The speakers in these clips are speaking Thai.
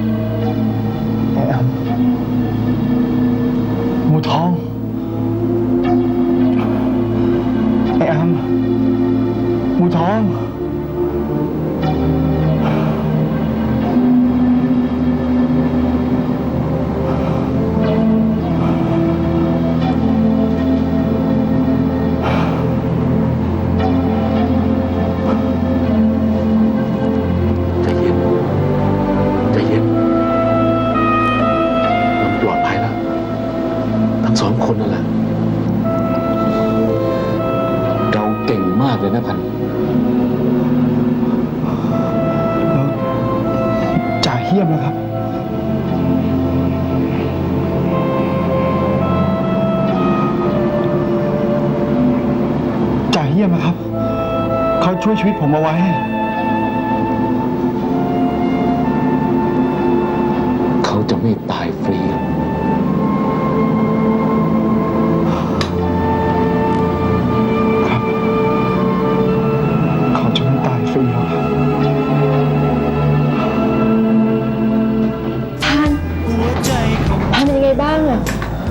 ไอ้แอมหมูทองไอ้แอมหมูทองสองคนนั่นแหละเราเก่งมากเลยนะพันแล้วจ่าเฮี้ยมนะครับจ่าเฮี้ยมนะครับเขาช่วยชีวิตผมเอาไว้เขาจะไม่ตายฟรีบ้างอะ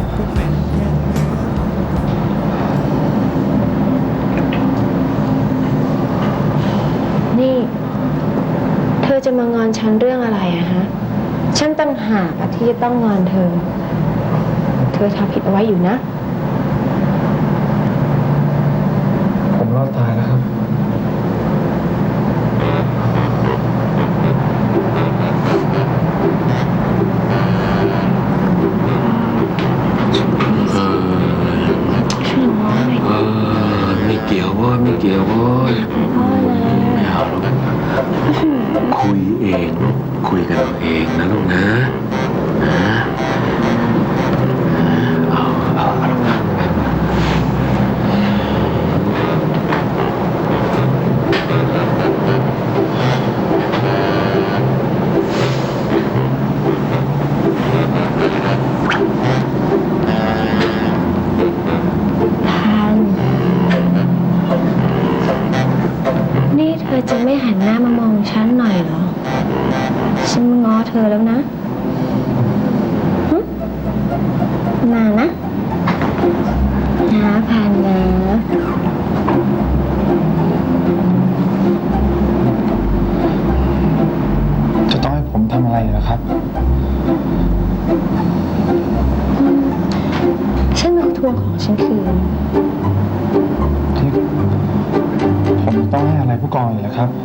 นี่เธอจะมางอนฉันเรื่องอะไรอะฮะฉันตั้งหากที่จะต้องงอนเธอทำผิดเอาไว้อยู่นะผมรอดตายแล้วครับไม่เกี่ยวว่าไม่เกี่ยวว่าไม่เอาหรอกคุยเองคุยกันเองนะลูกนะเอานี่เธอจะไม่หันหน้ามามองฉันหน่อยเหรอฉันมาง้อเธอแล้วนะมานะพันนะจะต้องให้ผมทำอะไรเหรอครับฉันมาทวงของฉันคืนที่ผมต้องให้อะไรผู้กองอีกเหรอครับ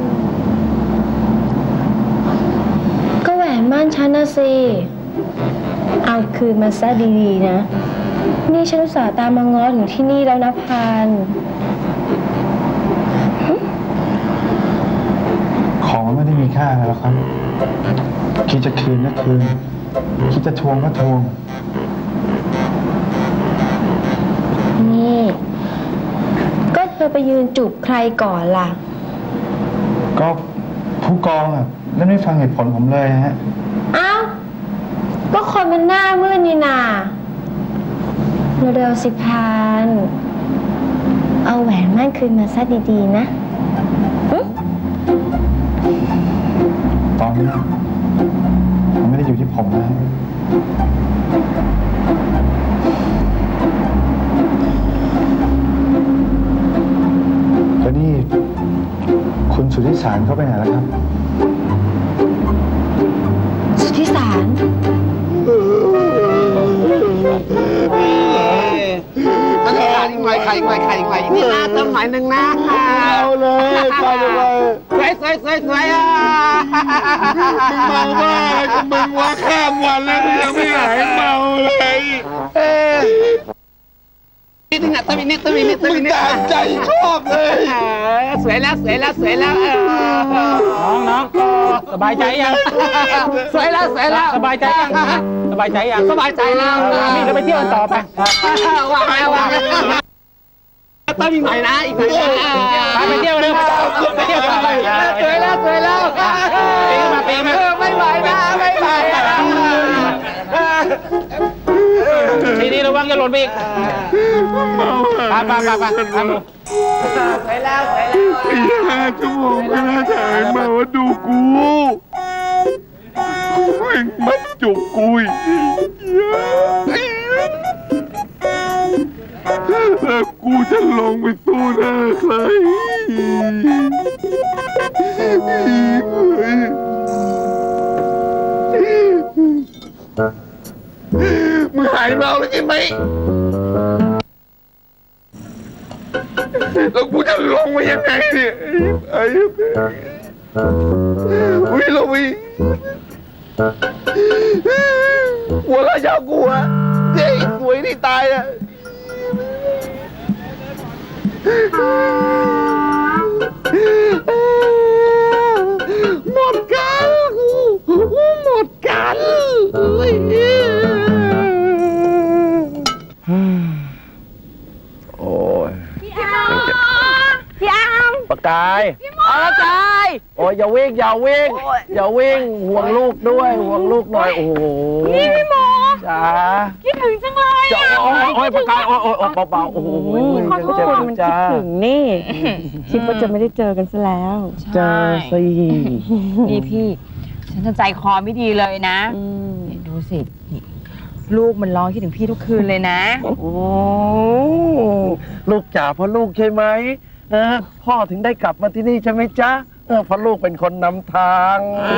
ก็แหวนมั่นฉันนะสิเอาคืนมาซะดีๆนะนี่ฉันอุตส่าห์ตามมาง้อถึงที่นี่แล้วนะพันของมันไม่ได้มีค่าอะไรหรอกครับคิดจะคืนก็คืนคิดจะทวงก็ทวงนี่ก็เธอไปยืนจูบใครก่อนล่ะก็ผู้กองอ่ะแล้วไม่ฟังเหตุผลผมเลยฮะเอ้าก็คนมันหน้ามืดนี่นาเร็วๆสิพันเอาแหวนมั่นคืนมาซะดีๆนะตอนนี้มันไม่ได้อยู่ที่ผมนะแล้วนี่คุณสุทธิสารเขาไปไหนแล้วครับสุทธิสารไข่นี่นะเติมหน่อยหนึ่งนะเอาเลยไปเลยสวยอ่ะมึงเมาบ้าอะไรกับมึงวะข้ามวันแล้วมึงยังไม่หายเมาเลยนิดนึงอ่ะเติมอีกนิดมึงตามใจชอบเลยสวยแล้วน้องสบายใจยังสวยแล้วสบายใจยังสบายใจแล้วนี่เราไปเที่ยวกันต่อไปวางแล้วเติมอีกหน่อยนะไปเที่ยวเลยไปเที่ยวต่อไปสวยแล้วปีมาไม่ไหวทีนี้ระวังจะหล่นไปอีกไปสวยแล้ว 5 ชั่วโมงก็น่าจะหายเมาดูกูม่งมัดจุกกูอีกแล้วกูจะลงไปสู้หน้าใครมึงหายเมาแล้วใช่ไหมแล้วกูจะลงไปยังไงเนี่ยไอ้วิลวีหัวเราะยาวกูอะเจ๊สวยนี่ตายอะหมดกันหมดกันโอ้ยพี่อามปากกายอะไรกายโอ้ยอย่าวิ่งอย่าวิ่งอย่าวิ่งห่วงลูกด้วยห่วงลูกหน่อยโอ้โหนี่พี่หมอจ๋าคิดถึงจังเลยจะโอ้ยปากกายโอ้ยเบาๆโอ้โหขอโทษเจ็บมันคิดจ้าถึงนี่คิดว่าจะไม่ได้เจอกันซะแล้วเจอสินี่พี่ ฉันจะใจคอไม่ดีเลยนะเนี่ยดูสินี่ลูกมันร้องคิดถึงพี่ทุกคืนเลยนะโอ้ลูกจ๋าเพราะลูกใช่ไหมพ่อถึงได้กลับมาที่นี่ใช่ไหมจ๊ะเพราะลูกเป็นคนนำทาง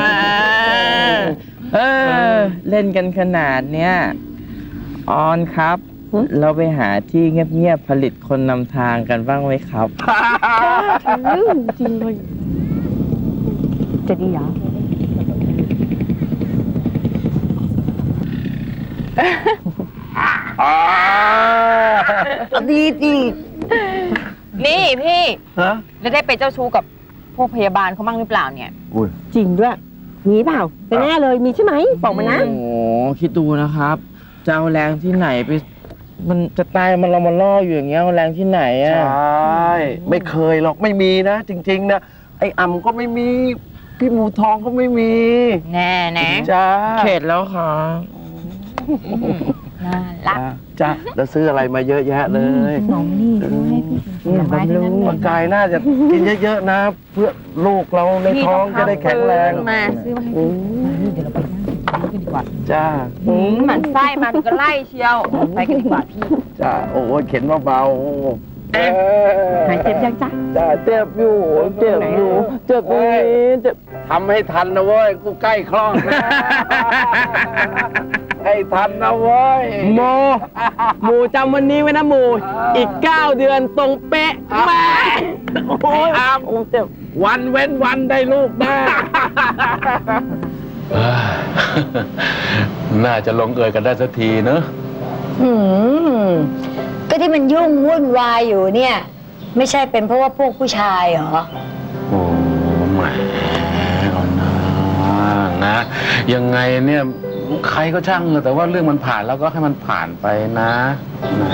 เล่นกันขนาดเนี้ยออนครับ เราไปหาที่เงียบๆผลิตคนนำทางกันบ้างไหมครับจริงเลยจะดีเหรอดีดีนี่พี่ฮะแล้วได้ไปเจ้าชู้กับพวกพยาบาลเขาบ้างหรือเปล่าเนี่ยจริงด้วยมีเปล่าแต่แน่เลยมีใช่ไหมบอกมานะโอ้โหคิดดูนะครับจะเอาแรงที่ไหนไป มันจะตายมันเรามาล่ออยู่อย่างเงี้ยเอาแรงที่ไหนอ่ะใช่ไม่เคยหรอกไม่มีนะ จริง ๆ นะ ไอ้อ่ำก็ไม่มี พี่หมูทองก็ไม่มีแน่นะจ้าเข็ดแล้วค่ะน่ารักจ้าแล้วซื้ออะไรมาเยอะแยะเลยน้องนี่เขาให้พี่ผลไม้ทั้งนั้นเลร่าย งกายน่าจะกินเยอะๆนะ เพื่อลูกเราในท้องจะได้แข็งแรงมาซื้อมาให้พี่มานี่เดี๋ยวเราไปนั่งกินข้าวกันดีกว่าจ้าหมันไส้มาถึงก็ไล่เชียว ไปกันดีกว่าพี่จ้าโอ้ยเข็นเบาๆหายเจ็บยังจ๊ะจ้าเจ็บอยู่เจ็บอยู่เจ็บตรงนี้เจ็บทำให้ทันนะเว้ยกูใกล้คลอดนะให้ทันนะเว้ยโมหมูจำวันนี้ไว้นะหมูอีก 9 เดือนตรงเป๊ะแม่โอ้ยอามเจ็บวันเว้นวันได้ลูกแน่น่าจะลงเอยกันได้สักทีเนอะก็ที่มันยุ่งวุ่นวายอยู่เนี่ย ไม่ใช่เป็นเพราะว่าพวกผู้ชายเหรอโอ้แหมเอานะ ยังไงเนี่ยใครก็ช่างแต่ว่าเรื่องมันผ่านแล้วก็ให้มันผ่านไปนะนะ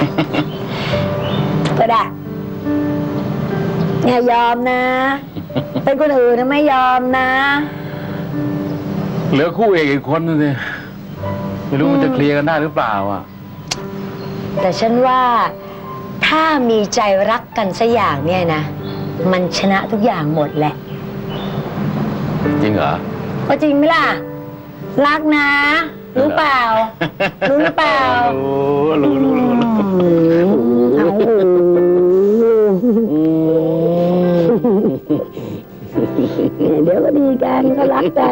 ก็ได้อย่ายอมนะ เป็นคนอื่นนะไม่ยอมนะเหลือคู่เอกอีกคนนึงสิไม่รู้มันจะเคลียร์กันได้หรือเปล่าอ่ะแต่ฉันว่าถ้ามีใจรักกันสักอย่างเนี่ยนะ มันชนะทุกอย่างหมดแหละจริงเหรอก็จริงไหมล่ะ รักนะ รู้เปล่า รู้หรือเปล่ารู้เอาเดี๋ยวก็ดีกันก็รักกัน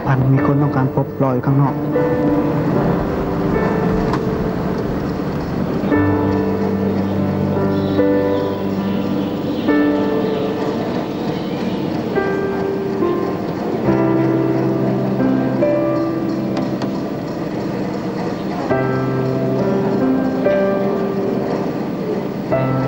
พันธ์มีคนต้องการพบรออยู่ข้างนอกค